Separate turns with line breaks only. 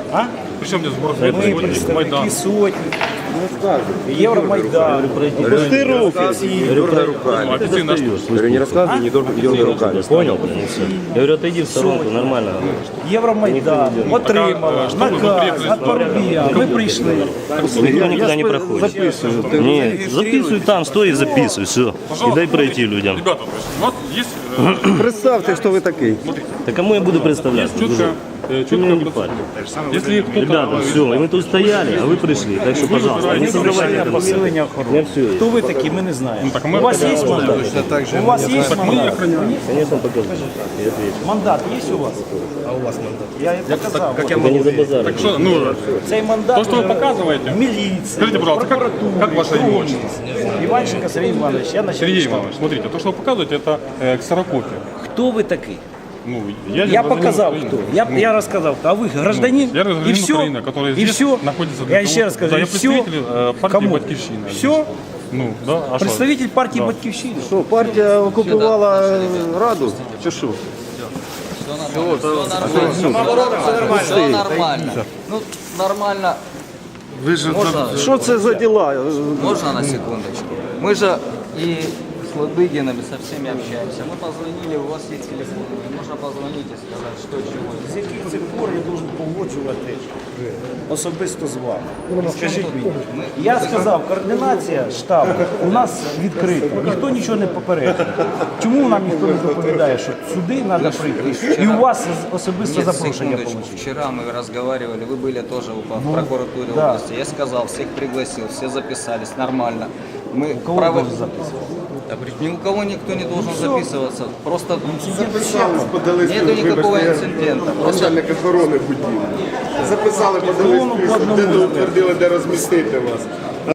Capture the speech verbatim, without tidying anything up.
А?
Причем здесь сбор
Ми
средств,
представники
Майдан.
сотні, Євромайдан.
Пусти руки.
Ну, официально что?
Говорю, не рассказывай, не должен идем руками.
Понял? Я говорю, отойди в сторонку, нормально.
Євромайдан отримала наказ від Парубія. Ми прийшли.
Никто никуда не проходит. Нет, записывай там, стой и записывай, все. И дай пройти людям.
Ребята, то есть у нас есть э,
Представьте, хто ви такий.
Да кому я буду представлять?
четко, э,
Ты меня не
четко
парь.
если кто-то...
Ребята, все, и мы тут стояли, а вы пришли. Так что, пожалуйста, не создавайте это.
Посилення охорони. Хто ви такі, ми не знаємо. У вас є мандат? У вас є мандат?
Конечно, покажу. Я отвечу.
Мандат є у вас? А у вас мандат? Я їм показав.
Только не за базар.
Что, ну,
Цей мандат
то, что вы показываете,
міліції,
скажите, пожалуйста, как, как ваше имя?
Іванченко Сергій Іванович, я начальник
Сергей
штабу.
Иванович, смотрите, то, что вы показываете, это э, ксерокопия.
Хто ви такий?
Ну, я
Я
гражданин
показав,
Украины.
хто. Я,
Ну,
я розказав, а ви гражданин,
я гражданин
і все,
Украины, который
і
здесь
все.
находится для
Я
того-
ще раз кажу,
Да,
і
я
все.
представитель э, партии
Кому?
«Батьківщина».
Все?
Ну, да, а что?
Представитель партії Батьківщини.
Що, партія окупувала Раду? Чи що?
Все нормально. Ну, нормально. Можно,
Що це за діла?
можно на секундочку? Мы же и с Ладыгиным, и со всеми общаемся. Мы позвонили, у вас есть телефон. Можно позвонить и сказать, что чего.
З яких цих пор я должен погоджувати особисто з вами? Скажіть мені. Я сказав, координація штабу у нас відкрита. Ніхто нічого не попередив. Чому нам ніхто не доповідає, що сюди треба прийти? І у вас особисто
Нет,
запрошення
секундочку.
отримати?
Вчера мы разговаривали, вы были тоже в в прокуратуре
да.
области. Я сказал, всех пригласил, все записались, нормально. Мы
Кого
право-
должен записувати?
Ни у кого никто не должен записываться. Просто
Записались, подали
нету никакого инцидента. Просто
начальник охорони будівлі. Записали, подали
Колону по
список, де
одному,
доутвердили, де розмістити вас.